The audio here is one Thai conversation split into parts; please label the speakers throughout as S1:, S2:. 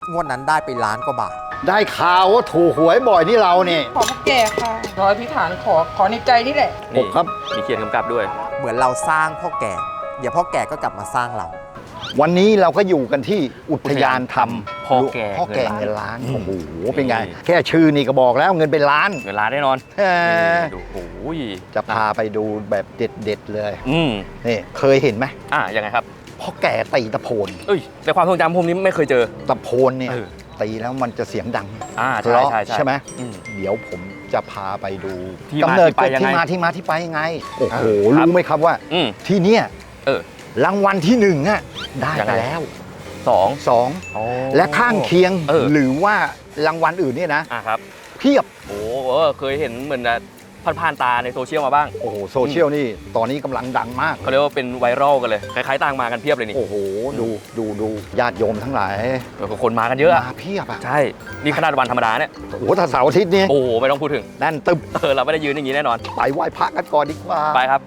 S1: งวดนั้นได้ไปล้านกว่าบาท
S2: ได้ข่าวว่าถูกหวยบ่อยนี่เราเนี่ย
S3: ขอพ่อแก่ค่ะขออธิษฐานขอในใจนี่แหละ
S4: นี่
S2: ครับ
S4: มีเขียนกำกับด้วย
S1: เหมือนเราสร้างพ่อแก่เดี๋ยวพ่อแก่ก็กลับมาสร้างเรา
S2: วันนี้เราก็อยู่กันที่อุทยานธรรม
S4: พ่อแก่
S2: เงินล้านโอ้โหเป็นไงแค่ชื่อนี่ก็บอกแล้วเงินเป็นล้าน
S4: เงินล้านแน่นอนดูโอ้ย
S2: จะพาไปดูแบบเด็ดๆเลยนี่เคยเห็นไหม
S4: ยังไงครับ
S2: พ่อแก่ตีตะโพน
S4: แต่ความทรงจำผมนี้ไม่เคยเจอ
S2: ตะโพนเนี่ยตีแล้วมันจะเสียงดัง
S4: ใช่
S2: ไหมเดี๋ยวผมจะพาไปดู
S4: กำเนิด
S2: ที่มาที่ไปยังไงโอ้โหรู้ไหมครับว่าที่เนี่ยรางวัลที่1อ่ะได้ไปแล้ว2และข้างเคียงหรือว่ารางวัลอื่นเนี่ยนะครับเพียบ
S4: โอ้เคยเห็นเหมือนผ่านตาในโซเชียลมาบ้าง
S2: โอ้โหโซเชียลนี่ตอนนี้กำลังดังมาก
S4: เขาเรียกว่าเป็นไวรัลกันเลยคล้ายๆต่างมากันเพียบเลยนี่
S2: โอ้โหดูญาติโยมทั้งหลาย
S4: คนมากันเยอะ
S2: มาเพียบอ่ะ
S4: ใช่นี่ขนาดวันธรรมดาเนี่ย
S2: โอ้โหถ้าเสาร์อาทิตย์นี่
S4: โอ้ไม่ต้องพูดถึง
S2: แน่นตึ๊บ
S4: เราไม่ได้ยืนอย่างนี้แน่นอน
S2: ไปไหว้พระกันก่อนดีกว่า
S4: ไปครับ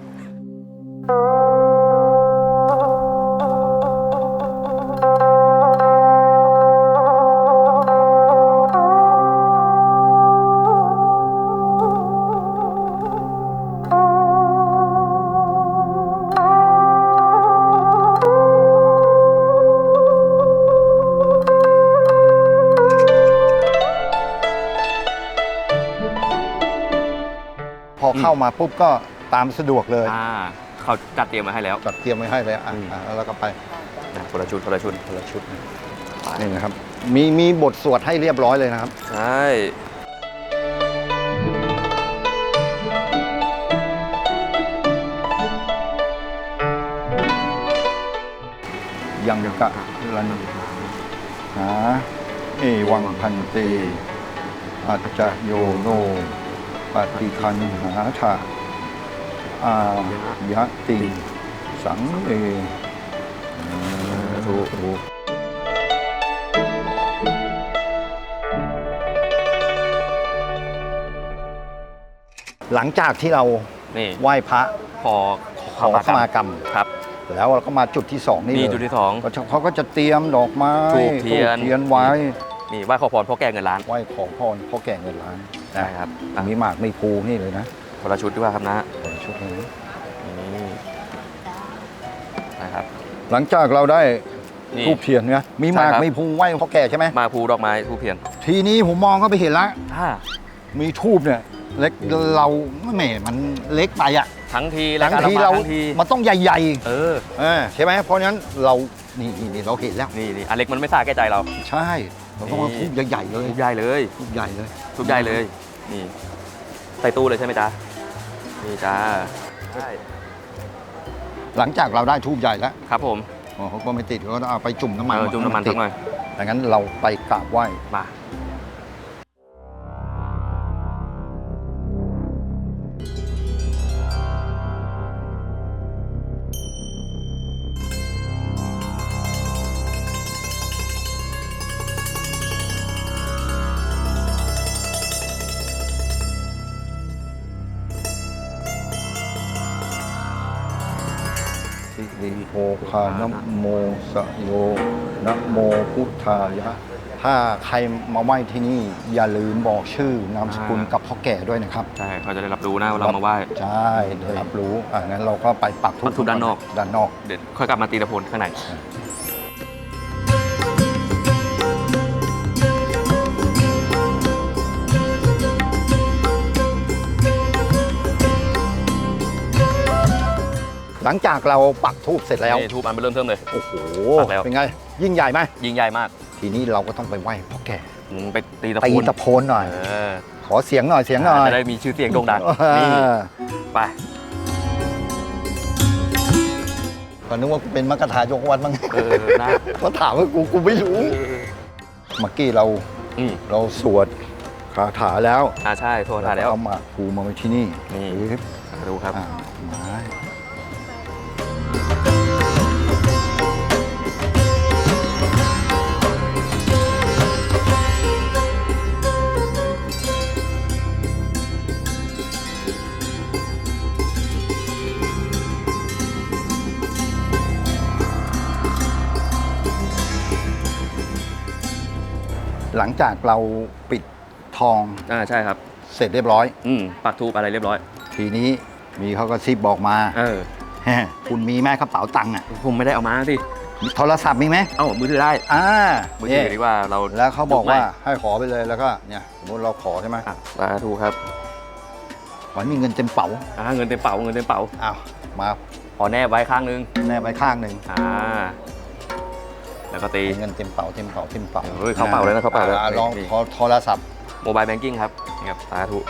S2: พอเข้ามาปุ๊บก็ตามสะดวกเลย
S4: เขาจัดเตรียมมาให้แล้ว
S2: จัดเตรียมไว้ให้เลยแล้วก็ไป
S4: คนละชุด
S2: นี่นะครับมีบทสวดให้เรียบร้อยเลยนะครับ
S4: ใช่
S2: ยังกะลันหาเอวังพันเตอัจจโยโนปฏิคันหาถะอายะติสังเอถูกหลังจากที่เราไหว้พระ
S4: ขอ
S2: ขมากรรม
S4: ครับ
S2: แล้วเราก็มาจุดที่2นี่เลย
S4: จุดที่2
S2: เขาก็จะเตรียมดอกไม้
S4: ธูปเทียน
S2: ไว้
S4: นี่ไหว้ขอพรพ่อแก่เงินล้าน
S2: ไหว้ขอพรพ่อแก่เงินล้าน
S4: ใช่ครับ
S2: มีหมากมีภูนี่เลยนะ
S4: คนละชุดด้วยครับนะ
S2: คนละชุดเลย
S4: นะครับ
S2: หลังจากเราได้ธูปเทียนเนี่ยมีหมากมีภูไหว้พ่อแก่ใช่ไหม
S4: หมากภูดอกไม้ธูปเทียน
S2: ทีนี้ผมมองก็ไปเห็นแล้วมีธูปเนี่ยเล็กเราแหมมันเล็กไปอะ
S4: ทั้งที
S2: เรามันต้องใหญ่ๆใช่ไหมเพราะฉะนั้นเรานี่เราเห็นแล้ว
S4: นี่อันเล็กมันไม่สาแก่ใจเรา
S2: ใช่เราต้องมาทุบใหญ่ๆเลย
S4: ทุบใหญ่เลยนี่ใส่ตู้เลยใช่ไหมจ๊ะนี่จ้าใช่
S2: หลังจากเราได้ทูบใหญ่แล้ว
S4: ครับผม
S2: เขาก็ไม่ติดก็ต้องเอาไปจุ่มน้ำมัน
S4: สักหน่อย
S2: ดังนั้นเราไปกราบไหว้
S4: มา
S2: โภคานะโมสโยนะโมพุทธายะถ้าใครมาไหว้ที่นี่อย่าลืมบอกชื่อนามสกุลกับพ่อแก่ด้วยนะครับ
S4: ใช่เขาจะได้รับรู้นะว่าเรามาไหว้
S2: ใช่ได้รับรู้งั้นเราก็ไปปักธูป
S4: ด้านนอกเด็ดค่อยกลับมาตีตะโพนข้างใน
S2: หลังจากเราปักธูปเสร็จแล้ว
S4: ธูปมันเริ่มเลย
S2: โอ้โหเป็นไงยิ่งใหญ่ไหม
S4: ยิ่งใหญ่มาก
S2: ทีนี้เราก็ต้องไปไหว้พ่อแก่
S4: ไปตีตะโพน
S2: หน่อยขอเสียงหน่อย
S4: จะได้มีชื่อเสียงโด่งดังนี่ไป
S2: ก็นึกว่าเป็นมัคคทายกวัดมั้งเขาถามว่ากูไม่รู้เมื่อกี้เราสวดคาถาแล้ว
S4: ใช่สวดคาถาแล้ว
S2: เอามาภูมาไว้ที่นี่
S4: ดูครับ
S2: หลังจากเราปิดทอง
S4: ใช่ครับ
S2: เสร็จเรียบร้อย
S4: ปักทูปอะไรเรียบร้อย
S2: ทีนี้มีเขาก็ซิบบอกมา คุณมีไหมกระเป๋าตังค์อ่ะ
S4: ผมไม่ได้เอามาสิ
S2: โทรศัพท์มีไหม
S4: เอ้ามือถือได้ มือถือดีกว่าเรา
S2: แล้วเขาบอกว่าให้ขอไปเลยแล้วก็เนี่ยสมมติเราขอใช่ไหม
S4: สาธุครับ
S2: ขอให้มีเงินเต็มเป๋า
S4: เงินเต็มเป๋าเงินเต็มเป๋า
S2: อ้าวมา
S4: ขอแนบไว้ข้างนึง
S2: แนบไปข้างหนึ่ง
S4: แล้วก็ตี
S2: เงินเต็มเป๋าเต็มเป๋าเต็มเป๋า
S4: เฮ้ยเข้าเป๋าเลยนะเข้าเป๋าเลย
S2: ลองขอโทรศัพท์
S4: โมบายแบงกิ้งครับนี่ครับสาธุ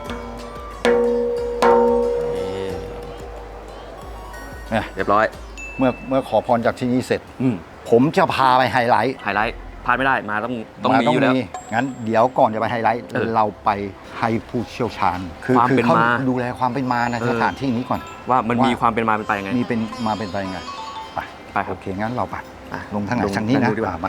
S4: นี่เรียบร้อย
S2: เมื่อขอพรจากที่นี่เสร็จ ผมจะพาไปไฮไลท์
S4: ไฮไลท์พลาดไม่ได้มาต้องมีอยู่แล้ว
S2: งั้นเดี๋ยวก่อนจะไปไฮไลท์เราไปให้ผู้เชี่ยวชาญคือเขาดูแลความเป็นมาในสถานที่นี้ก่อน
S4: ว่ามันมีความเป็นมาเป็นไปยังไง
S2: มีเป็นมาเป็นไปยังไงไป
S4: ครับ
S2: โอเคงั้นเราไปลงทางไหนทางนี้นะมา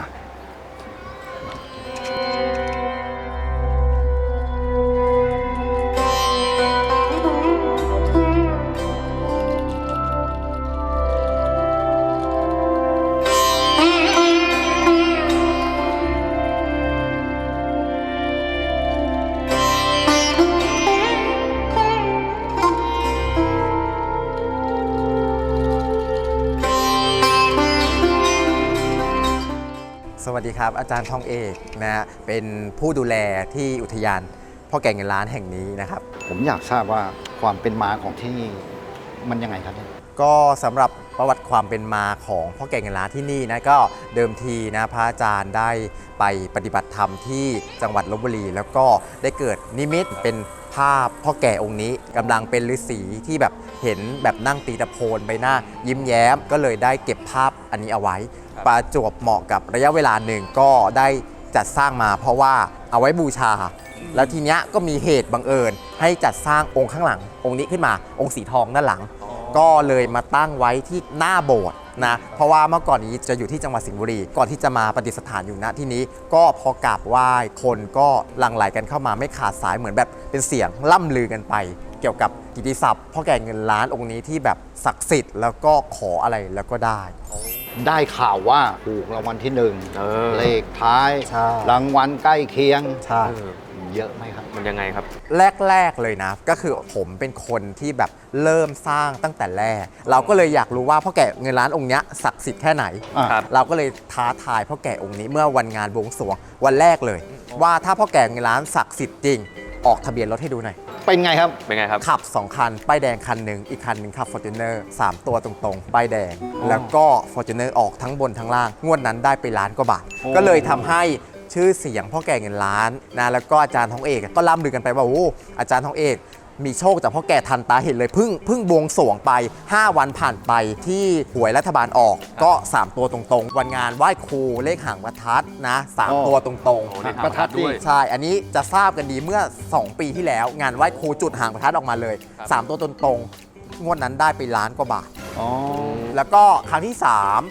S1: สวัสดีครับอาจารย์ทองเอกนะเป็นผู้ดูแลที่อุทยานพ่อแก่เงินล้านแห่งนี้นะครับ
S2: ผมอยากทราบว่าความเป็นมาของที่นี่มันยังไงครับเนี่ย
S1: ก็สำหรับประวัติความเป็นมาของพ่อแก่เงินล้านที่นี่นะก็เดิมทีนะพระอาจารย์ได้ไปปฏิบัติธรรมที่จังหวัดลพบุรีแล้วก็ได้เกิดนิมิตเป็นภาพพ่อแก่องค์นี้กำลังเป็นฤาษีที่แบบเห็นแบบนั่งตีตะโพนใบหน้ายิ้มแย้มก็เลยได้เก็บภาพอันนี้เอาไว้ประจวบเหมาะกับระยะเวลาหนึ่งก็ได้จัดสร้างมาเพราะว่าเอาไว้บูชา แล้วทีเนี้ยก็มีเหตุบังเอิญให้จัดสร้างองค์ข้างหลังองค์นี้ขึ้นมาองค์สีทองด้านหลัง ก็เลยมาตั้งไว้ที่หน้าโบสถ์นะเพราะว่าเมื่อก่อนนี้จะอยู่ที่จังหวัดสิงห์บุรีก่อนที่จะมาประดิษฐานอยู่ณที่นี้ก็พอกราบไหว้คนก็หลั่งไหลกันเข้ามาไม่ขาดสายเหมือนแบบเป็นเสียงล่ำลือกันไป เกี่ยวกับกิตติศัพท์พ่อแก่เงินล้านองค์นี้ที่แบบศักดิ์สิทธิ์แล้วก็ขออะไรแล้วก็ได้
S2: ได้ข่าวว่าถูกรางวัลที่1เลขท้าย
S1: ใช่
S2: รางวัลใกล้เคียง
S1: ใช่
S2: เยอะไหมครับ
S4: มันยังไงครับ
S1: แรกๆเลยนะก็คือผมเป็นคนที่แบบเริ่มสร้างตั้งแต่แรกเราก็เลยอยากรู้ว่าพ่อแก่เงินล้านองค์เนี้ยศักดิ์สิทธิ์แค่ไหน
S4: ครับ
S1: เราก็เลยท้าทายพ่อแก่องค์นี้เมื่อวันงานบวงสรวงวันแรกเลย ว่าถ้าพ่อแก่เงินล้านศักดิ์สิทธิ์จริงออกทะเบียนรถให้ดูหน่อย
S2: เป็นไงครับ
S4: เป็นไงครับ
S1: ขับ 2 คัน ป้ายแดงคันหนึ่งอีกคันหนึ่งขับ Fortuner 3 ตัวตรงๆ ป้ายแดง แล้วก็ Fortuner ออกทั้งบนทั้งล่าง งวดนั้นได้ไปล้านกว่าบาท
S2: โอ้
S1: ก็เลยทำให้ชื่อเสียงพ่อแก่เงินล้านนะแล้วก็อาจารย์ทองเอกก็ล่ำลือกันไปว่าโอ้อาจารย์ทองเอกมีโชคจากพ่อแก่ทันตาเห็นเลยเพิ่งบวงสรวงไป 5 วันผ่านไปที่หวยรัฐบาลออกก็ 3 ตัวตรงๆ วันงานไหว้ครูเลขหางประทัดนะ3 ตัวตรง
S4: โอ้
S1: ๆ
S4: ได้
S2: ประทัดด้วย
S1: ใช่ อันนี้จะทราบกันดีเมื่อ 2 ปีที่แล้ว งานไหว้ครูจุดหางประทัดออกมาเลย 3 ตัวตรงๆ งวดนั้นได้ไปล้านกว่าบาท
S2: อ๋อ
S1: แล้วก็ครั้งที่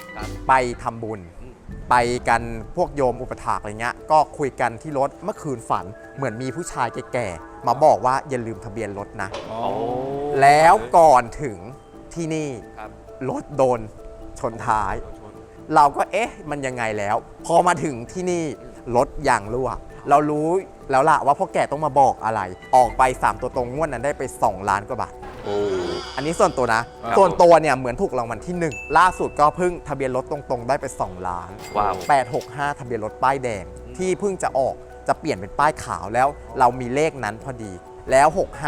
S1: 3 ไปทำบุญ ไปกันพวกโยมอุปถากอะไรเงี้ย ก็คุยกันที่รถเมื่อคืนฝัน เหมือนมีผู้ชายแก่ๆ มาบอกว่าอย่าลืมทะเบียนรถนะ แล้วก่อนถึงที่นี่
S4: ครับ
S1: รถโดนชนท้าย เราก็เอ๊ะมันยังไงแล้ว พอมาถึงที่นี่รถยางรั่ว เรารู้แล้วล่ะว่าพ่อแก่ต้องมาบอกอะไร ออกไป 3 ตัวตรงงวดนั้นได้ไป 2 ล้านกว่าบาท
S4: โอ้
S1: อันนี้ส่วนตัวนะ
S4: ครับ
S1: ส่วนตัวเนี่ยเหมือนถูกรางวัลที่ 1 ล่าสุดก็เพิ่งทะเบียนรถตรงๆ ได้ไป 2 ล้าน
S4: ว้าว
S1: 865 ทะเบียนรถป้ายแดงที่เพิ่งจะออกจะเปลี่ยนเป็นป้ายขาวแล้วเรามีเลขนั้นพอดี แล้ว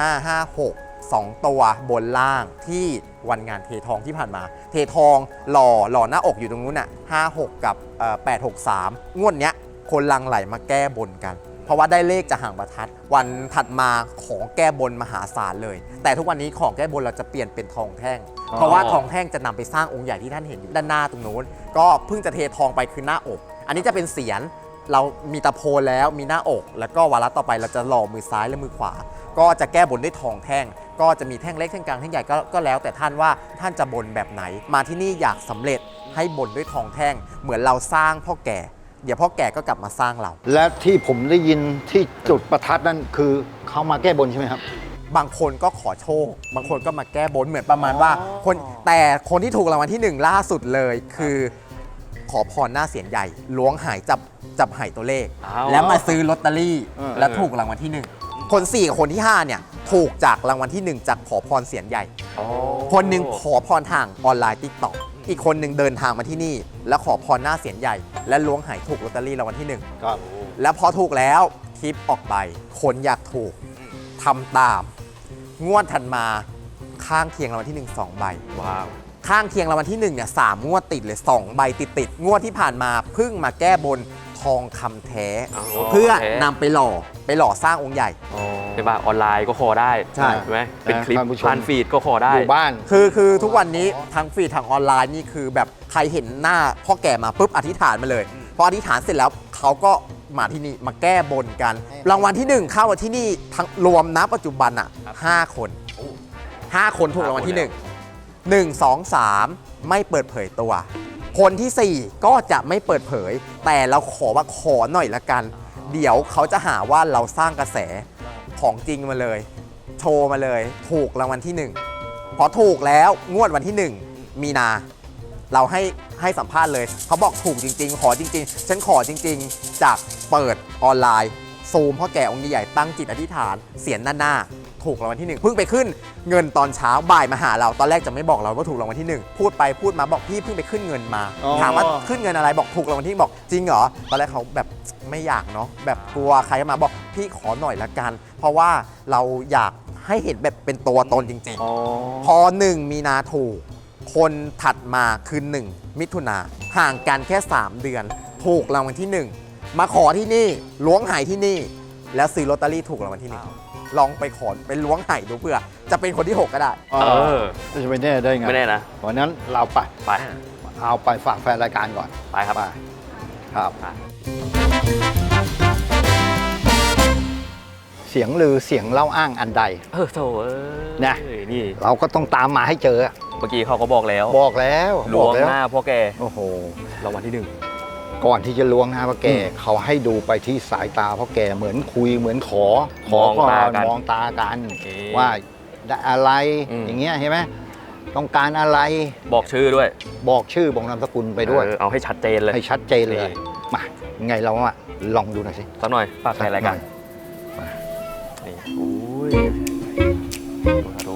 S1: 6556 2 ตัวบนล่างที่วันงานเททองที่ผ่านมา เททองหล่อหน้าอกอยู่ตรงนู้นน่ะ56 กับ863 งวดเนี้ยคนลังไหลมาแก้บนกัน เพราะว่าได้เลขจากหางประทัด วันถัดมาของแก้บนมหาศาลเลย แต่ทุกวันนี้ของแก้บนเราจะเปลี่ยนเป็นทองแท่ง เพราะว่าทองแท่งจะนำไปสร้างองค์ใหญ่ที่ท่านเห็นอยู่ด้านหน้าตรงนู้น ก็เพิ่งจะเททองไปคือหน้าอก อันนี้จะเป็นเสียรเรามีตะโพนแล้วมีหน้าอก แล้วก็วาระต่อไปเราจะหล่อมือซ้ายและมือขวา ก็จะแก้บนด้วยทองแท่ง ก็จะมีแท่งเล็กแท่งกลางแท่งใหญ่ก็แล้วแต่ท่านว่าท่านจะบนแบบไหน มาที่นี่อยากสำเร็จให้บนด้วยทองแท่ง เหมือนเราสร้างพ่อแก่ เดี๋ยวพ่อแก่ก็กลับมาสร้างเรา
S2: และที่ผมได้ยินที่จุดประทัดนั่นคือเขามาแก้บนใช่ไหมครับ
S1: บางคนก็ขอโชค บางคนก็มาแก้บนเหมือนประมาณว่าคนแต่คนที่ถูกรางวัลที่ 1 ล่าสุดเลยคือขอพรหน้าเสียนใหญ่ล้วงหายจับหายตัวเลข
S4: อ้าว
S1: แล้วมาซื้อลอตเตอรี่
S2: เออ
S1: แล้วถูกรางวัลที่ 1 คน 4 กับคนที่ 5 เนี่ยถูกจากรางวัลที่ 1 จากขอพรเสียนใหญ่
S4: อ๋อ
S1: คนหนึ่งขอพรทางออนไลน์ติ๊กต็อกอีกคนหนึ่งเดินทางมาที่นี่ แล้วขอพรหน้าเสียนใหญ่ และล้วงหายถูกลอตเตอรี่รางวัลที่ 1
S2: ครับ
S1: แล้วพอถูกแล้วคลิปออกไป คนอยากถูกทำตาม งวดถัดมาข้างเคียงรางวัลที่ 1 2 ใบ
S4: ว้าว 3
S1: ข้างเคียงรางวัลที่1เนี่ย3 งวดติดเลย2 ใบติดๆงวดที่ผ่านมาเพิ่งมาแก้บนทองคำแท้ เพื่อนำไปหล่อสร้างองค์ใหญ่
S4: ใช่ป่ะออนไลน์ก็ขอได้
S1: ใช่
S4: ไหมเป็นคลิป
S2: ท่านผู้ชม
S4: ผ่านฟีดก็ขอได้
S2: อยู่บ้าน
S1: คือทุกวันนี้ทางฟีดทางออนไลน์นี่คือแบบใครเห็นหน้าพ่อแก่มาปุ๊บอธิษฐานมาเลยพออธิษฐานเสร็จแล้วเขาก็มาที่นี่มาแก้บนกัน รางวัลที่ 1 เข้ามาที่นี่ทั้งรวมณปัจจุบันอ่ะ5 คนถูกรางวัลที่ 1 1 2 3 ไม่เปิดเผยตัว คนที่ 4 ก็จะไม่เปิดเผย แต่เราขอว่าขอหน่อยละกัน เดี๋ยวเขาจะหาว่าเราสร้างกระแสของจริงมาเลย โชว์มาเลยถูกรางวัลที่ 1 พอถูกแล้วงวดวันที่ 1 มีนา เราให้สัมภาษณ์เลย เขาบอกถูกจริง ๆ ขอจริง ๆ ฉันขอจริง ๆ จากเปิดออนไลน์ซูมพ่อแก่องค์ใหญ่ตั้งจิตอธิษฐานเสียนหน้าถูกรางวัลที่ 1 เพิ่งไปขึ้นเงินตอนเช้าบ่ายมาหาเราตอนแรกจะไม่บอกเราว่าถูกรางวัลที่ 1 พูดไปพูดมาบอกพี่เพิ่งไปขึ้นเงินมา
S2: อ๋อ
S1: ถามว่าขึ้นเงินอะไรบอกถูกรางวัลที่ บอกจริงเหรอตอนแรกเขาแบบไม่อยากเนาะแบบกลัวใครมาบอกพี่ขอหน่อยละกัน เพราะว่าเราอยากให้เห็นแบบเป็นตัวตนจริง ๆ พอ 1 มีนาถูก คนถัดมาคือ 1 มิถุนาห่างกันแค่ 3 เดือน ถูกรางวัลที่ 1 มาขอที่นี่ล้วงหายที่นี่ แล้วซื้อลอตเตอรี่ถูกรางวัลที่ 1 ลองไปขอไปล้วงหายดูเพื่อจะเป็นคนที่ 6 ก็ได้
S2: จะไปแน่ได้ไง
S4: ไม่แน่นะ
S2: เพราะนั้นเราไป
S4: ไป
S2: เอาไปฝากแฟนรายการก่อน
S4: ไปครับ
S2: ไปครับ เสียงลือเสียงเล่าอ้างอันใด
S4: โถ
S2: นะ
S4: นี่
S2: เราก็ต้องตามมาให้เจอ
S4: เมื่อกี้เขาก็บอกแล้ว
S2: บอกแล้ว
S4: ล้วง
S2: บอกแล้ว
S4: หน้าพ่อแก
S2: โอ้โห
S4: รางวัลที่
S2: ก่อนที่จะล้วงหน้าพ่อแกเขาให้ดูไปที่สายตาพ่อแกเหมือนคุยเหมือนขอ
S4: มอง
S2: ก่อน
S4: ตากัน
S2: มองตากัน
S4: โอเค
S2: ว่าได้อะไร
S4: อย่าง
S2: เงี้ยใช่ไหมต้องการอะไร
S4: 1 บอกชื่อด้วย
S2: บอกชื่อบอกนามสกุลไปด้วย
S4: เอาให้ชัดเจนเลย
S2: ให้ชัดเจนเลย
S4: นี่
S2: มาไงเราอะลองดูหน่อยสิ
S4: สักหน่อยฝากแฟนรายการ
S2: มา
S4: นี่โอ้ยดู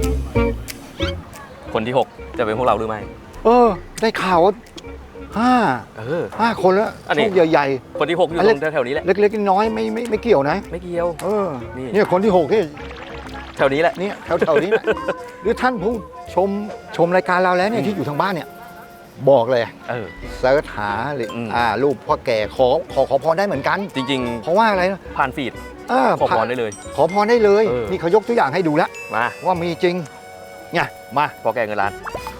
S4: คนที่ 6 จะเป็นพวกเราหรือไม่
S2: ได้ข่าวว่าห้าคนแล้ว
S4: อันนี้
S2: โชคใหญ่
S4: คนที่ 6 อยู่
S2: อัน
S4: ต
S2: เล็
S4: ร
S2: ก
S4: งแถวๆนี้แหละ
S2: ๆเล็กๆน้อยๆไม่เกี่ยวนะ
S4: ไม่เกี่ยว นี่
S2: เนี่ยคนที่6ที่
S4: แถวนี้แหละ
S2: เนี่ยแถวๆนี้แหละ หรือท่านผู้ชมรายการเราแล้วเนี่ยที่อยู่ทางบ้านเนี่ย บอกเลย เสิร์ชหาหรือรูปพ่อแก่ขอพรได้เหมือนกัน
S4: จริง
S2: เพราะว่าอะไรนะ
S4: ๆ ผ่านฟีดขอพรได้เลย
S2: ขอพรได้เลย
S4: เออ
S2: นี่เขายกตัวอย่างให้ดูแล้ว
S4: มา
S2: ว่ามีจริงเนี่ยมา
S4: พ่อแกเงินล้าน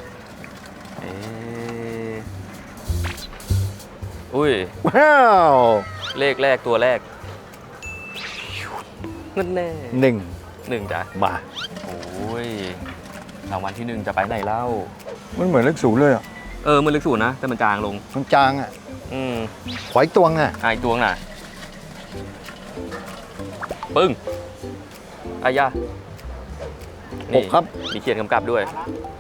S4: อุ้ย
S2: ว้าว
S4: เลขแรกตัวแรกเงินแน่
S2: 1
S4: จ้ะ
S2: มา
S4: โอ้ยรางวัลที่ 1 จะไปไหนเล่า
S2: มันเหมือนเลขศูนย์เลยอ่ะ
S4: มันลึกสูนนะ แต่มันจางลง
S2: มันจางอ่ะ
S4: อืม
S2: ขอยตวงอ่ะ
S4: อีกดวงน่ะ ปึ้งอายา
S2: 6 ครับ
S4: มีเขียนกำกับด้วย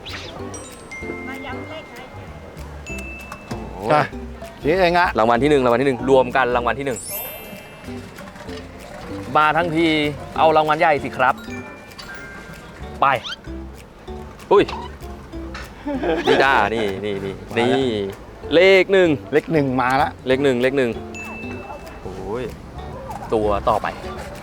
S4: โอ้ย
S2: อ่ะชี้เองอ่ะ
S4: รางวัลที่ 1 รางวัลที่ 1 รวมกันรางวัลที่ 1 มาทั้งทีเอารางวัลใหญ่สิครับ ไป อุ้ยนี่จ้านี่เลข 1
S2: เลข 1 มาแล้ว
S4: เลข 1โอ้ยตัวต่อไป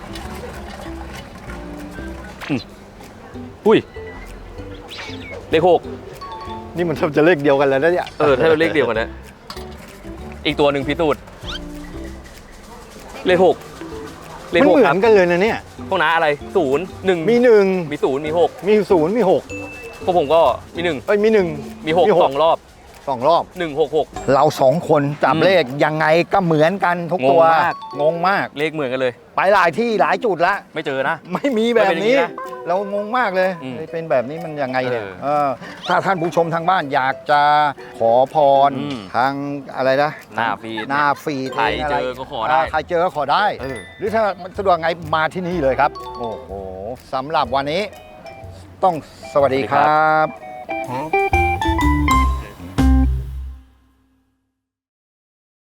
S4: อุ้ยเลข 6
S2: นี่มันแทบจะเลขเดียวกันแล้วนะเนี่ย
S4: ถ้าเป็นเลขเดียวกันนะอีกตัวหนึ่งพิสูจน์เลข 6 เลข
S2: มัน
S4: 6
S2: เหมื
S4: ค
S2: อ
S4: รับ
S2: นกันเลยนะเนี่ย
S4: พวกน้าอะไร0 1
S2: มี
S4: มี0มี 6
S2: 1 มี 0 มี 6
S4: พวกผมก็มี
S2: เอ้ยมี 1
S4: มี6 2 รอบ
S2: 2 รอบ
S4: 166
S2: เรา 2 คนจับเลขยังไงก็เหมือนกันทุกตัว
S4: งงมาก
S2: งงมาก
S4: เลขเหมือนกันเลย
S2: ไปหลายที่หลายจุดละ
S4: ไม่เจอนะ
S2: ไม่มีแบบนี้
S4: ไม่เป็นอย่างนี้นะ
S2: เรางงมากเลย
S4: อืม
S2: เป็นแบบนี้มันยังไงเนี่ย
S4: เออ
S2: ถ้าท่านผู้ชมทางบ้านอยากจะขอพร
S4: อืม
S2: ทางอะไรนะ
S4: หน้าฟีด
S2: หน้าฟีด
S4: ใครเจอก็ขอได้
S2: ใครเจอก็ขอได้ หรือถ้ามันสะดวกไงมาที่นี่เลยครับ โอ้โหสำหรับวันนี้ต้องสวัสดีครับ